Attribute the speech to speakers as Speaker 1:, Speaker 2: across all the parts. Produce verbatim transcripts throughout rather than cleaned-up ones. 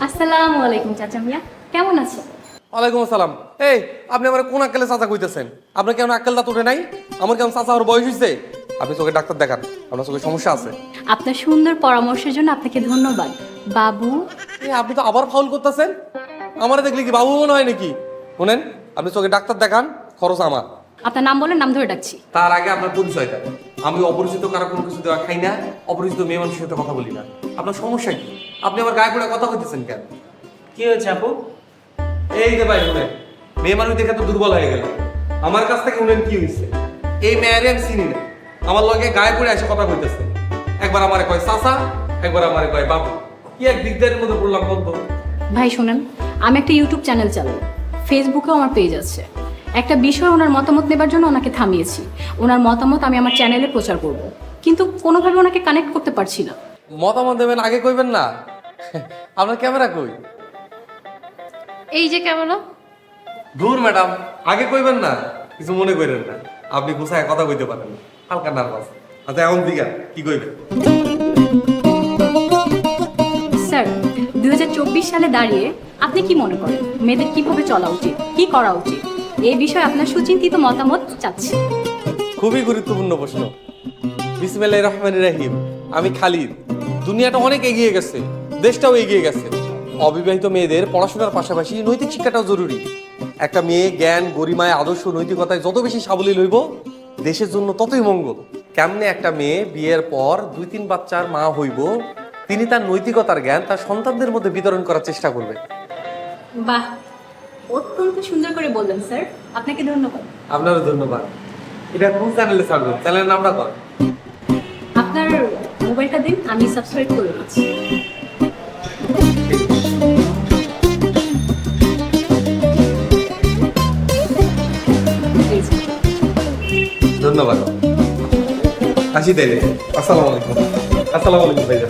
Speaker 1: আসসালামু আলাইকুম চাচা মিয়া, কেমন আছো?
Speaker 2: ওয়ালাইকুম আসসালাম। এই আপনি আমার কোন আক্কেলে চাচা কইতেছেন? আপনার কেমন আক্কেল দাঁত উঠে নাই? আমার কেমন চাচা আমার বয়স হয়েছে? আপনি চোখে ডাক্তার দেখান, আপনার চোখে সমস্যা আছে।
Speaker 1: আপনার সুন্দর পরামর্শের জন্য আপনাকে ধন্যবাদ বাবু।
Speaker 2: এই আপনি তো আবার ফাউল করতেছেন। আমারে দেখলে কি বাবু মনে হয় নাকি? শুনেন, আপনি চোখে ডাক্তার দেখান, খরচ আমার।
Speaker 1: আপনার নাম বলেন, নাম ধরে ডাকছি।
Speaker 2: তার আগে আপনার পরিচয়টা। আমি অপরিচিত কারো কোনো কিছু দেওয়া খাই না, অপরিচিত মেয়ে মানুষের সাথে কথা বলি না। আপনার সমস্যা কি? আপনি আমার গায়ে পড়ে কথা কইতেছেন কেন?
Speaker 3: কি হয়েছে আপু?
Speaker 2: এই যে ভাই শুনেন, মেয়ে মানুষ দেখে তো দুর্বল হয়ে গেল। আমার কাছ থেকে শুনেন কি হয়েছে। এই মেয়েরে আমি চিনি না, আমার লগে গায়ে পড়ে এসে কথা কইতেছে। একবার আমারে কয় চাচা, একবার আমারে কয় বাবু। কি এক দিকদারের মধ্যে পড়লাম বলতো।
Speaker 1: ভাই শুনেন, আমি একটা ইউটিউব চ্যানেল চালাই, ফেসবুকেও আমার পেজ আছে। একটা বিষয় ওনার মতামত নেবার জন্য ওনাকে থামিয়েছি। ওনার মতামত আমি আমার চ্যানেলে প্রচার করব, কিন্তু কোনোভাবে ওনাকে কানেক্ট করতে পারছি না।
Speaker 2: মতামত দেবেন আগে কইবেন না? আপনার ক্যামেরা কই?
Speaker 1: এই যে ক্যামেরা।
Speaker 2: দূর ম্যাডাম, আগে কইবেন না, কিছু মনে করেন না। আপনি গুছায় কথা কইতে পারেন না, হালকা নার্ভাস। আচ্ছা এখন দিঘা কি কইবেন?
Speaker 1: স্যার, দুই হাজার চব্বিশ সালে দাঁড়িয়ে আপনি কি মনে করেন মেয়েদের কিভাবে চলা উচিত, কি করা উচিত? এই বিষয়ে আপনার সুচিন্তিত মতামত চাচ্ছি।
Speaker 2: খুবই গুরুত্বপূর্ণ প্রশ্ন। বিসমিল্লাহির রহমানির রহিম। আমি খালিদ। দুনিয়াটা অনেক এগিয়ে গেছে, দেশটাও এগিয়ে গেছে। অবিবাহিত মেয়েদের পড়াশোনার পাশাপাশি নৈতিক শিক্ষাটাও জরুরি। একটা মেয়ে জ্ঞান, গরিমায়, আদর্শ, নৈতিকতায় যত বেশি সাবলীল হইব, দেশের জন্য ততই মঙ্গল। কেমনে একটা মেয়ে বিয়ের পর দুই তিন বাচ্চার মা হইব, তিনি তার নৈতিকতার জ্ঞান তার সন্তানদের মধ্যে বিতরণ করার চেষ্টা করবে।
Speaker 1: বাহ, অত্যন্ত সুন্দর করে বললেন স্যার, আপনাকে ধন্যবাদ।
Speaker 2: আপনারও ধন্যবাদ। এটা কোন চ্যানেলে ছাড়বেন? চ্যানেলের নামটা কর।
Speaker 1: আপনার মোবাইলটা দিন, আমি সাবস্ক্রাইব করে দিচ্ছি। এই যে।
Speaker 2: ধন্যবাদ। আসি তাইলে। আসসালামু আলাইকুম। আসসালামু আলাইকুম ভাইজান।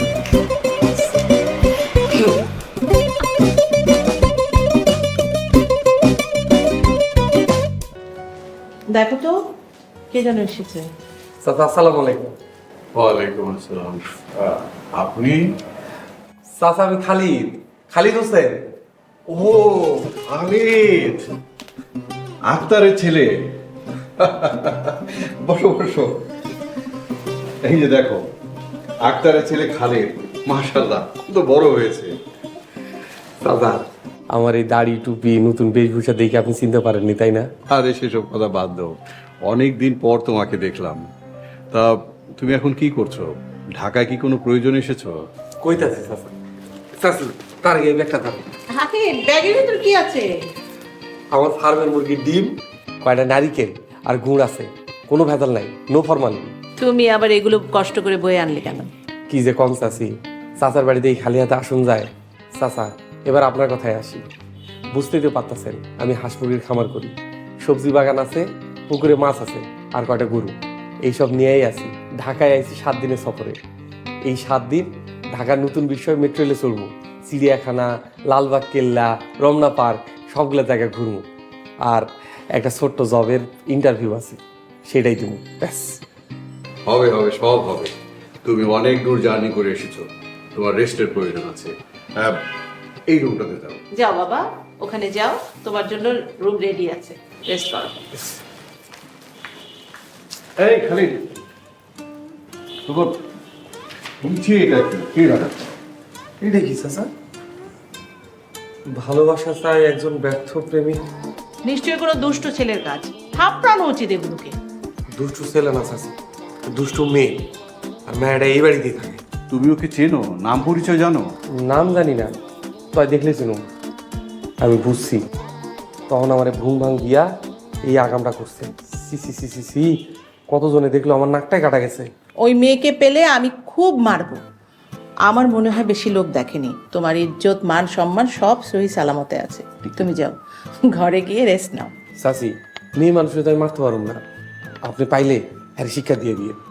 Speaker 4: দেখো তো কে যেন এসেছে।
Speaker 2: চাচা আসসালামু আলাইকুম।
Speaker 5: ওয়ালাইকুম আসসালাম। আহ, আপনি?
Speaker 2: চাচা আমি খালিদ, খালিদ হোসেন।
Speaker 5: ও খালিদ, আক্তারের ছেলে। বসো বসো। এই যে দেখো, আক্তারের ছেলে খালিদ, মাশাআল্লাহ কত বড় হয়েছে।
Speaker 2: চাচা আমার এই দাড়ি, টুপি, নতুন বেশভূষা দেখে আপনি চিনতে পারেননি তাই না?
Speaker 5: আরে সেসব কথা বাদ দাও, অনেক দিন পর তোমাকে দেখলাম। তা তুমি এখন কি করছো? ঢাকায় কি কোনো প্রয়োজন এসেছো?
Speaker 2: কইতাছি চাচা। চাচা তার আগে এই ব্যাগটা ধরো।
Speaker 4: হাতে ব্যাগের ভিতর কি আছে?
Speaker 2: আমার ফার্মের মুরগির ডিম, কয়টা নারিকেল আর গুড় আছে, কোনো ভেজাল নাই, নো ফরমালিন।
Speaker 4: তুমি আবার এগুলো কষ্ট করে বয়ে আনলে কেন?
Speaker 2: কি যে কম চাচি, চাচার বাড়িতে এই খালি হাতে আসুন যায়। চাচা এবার আপনার কথায় আসি। বুঝতেই তো পারতেছেন আমি হাঁস মুরগির খামার করি, সবজি বাগান আছে, পুকুরে মাছ আছে, আর কয়টা গরু, এইসব নিয়েই আছি। ঢাকায় আইছি সাত দিনের সফরে। এই সাত দিন ঢাকার নতুন বিষয় মেট্রো রেলে চড়বো, চিড়িয়াখানা, লালবাগ কেল্লা, রমনা পার্ক, সবগুলো জায়গায় ঘুরবো। আর একটা ছোট্ট জবের ইন্টারভিউ আছে, সেটাই তুমি ব্যাস।
Speaker 5: হবে হবে, সব হবে। তুমি অনেক দূর জার্নি করে এসেছো, তোমার রেস্টের প্রয়োজন আছে। আহ, এই রুমটাতে যাও।
Speaker 4: যাও বাবা, ওখানে যাও, তোমার জন্য রুম রেডি আছে, রেস্ট করো।
Speaker 5: এই খালিদ, তোমার নিচে এটা কি? কি রাখা?
Speaker 2: এটা কি চাচা? ভালোবাসা চাই একজন ব্যর্থ প্রেমিক।
Speaker 4: নিশ্চয়ই কোনো দুষ্ট ছেলের কাজ, থাপড়ানো উচিত এগুলোকে।
Speaker 2: দুষ্টু ছেলে না চাচা, দুষ্টু মেয়ে। আর মেয়েটা এই বাড়িতেই থাকে।
Speaker 5: তুমি ওকে চেনো? নাম পরিচয় জানো?
Speaker 2: নাম জানি না, তাই দেখলে চিনুম। আমি বুঝছি তখন আমার ঘুম ভাঙ গিয়া এই আগামটা করছে। সি সি সি সি সি কতজনে দেখলো, আমার নাকটাই কাটা গেছে।
Speaker 4: ওই মেয়েকে পেলে আমি খুব মারবো। আমার মনে হয় বেশি লোক দেখেনি। তোমার ইজ্জত, মান, সম্মান সব সহি সালামতে আছে। তুমি যাও, ঘরে গিয়ে রেস্ট নাও।
Speaker 2: চাচি মেয়ে মানুষের তো আমি মারতে পারুম না, আপনি পাইলে হ্যাঁ শিক্ষা দিয়ে দিয়ে।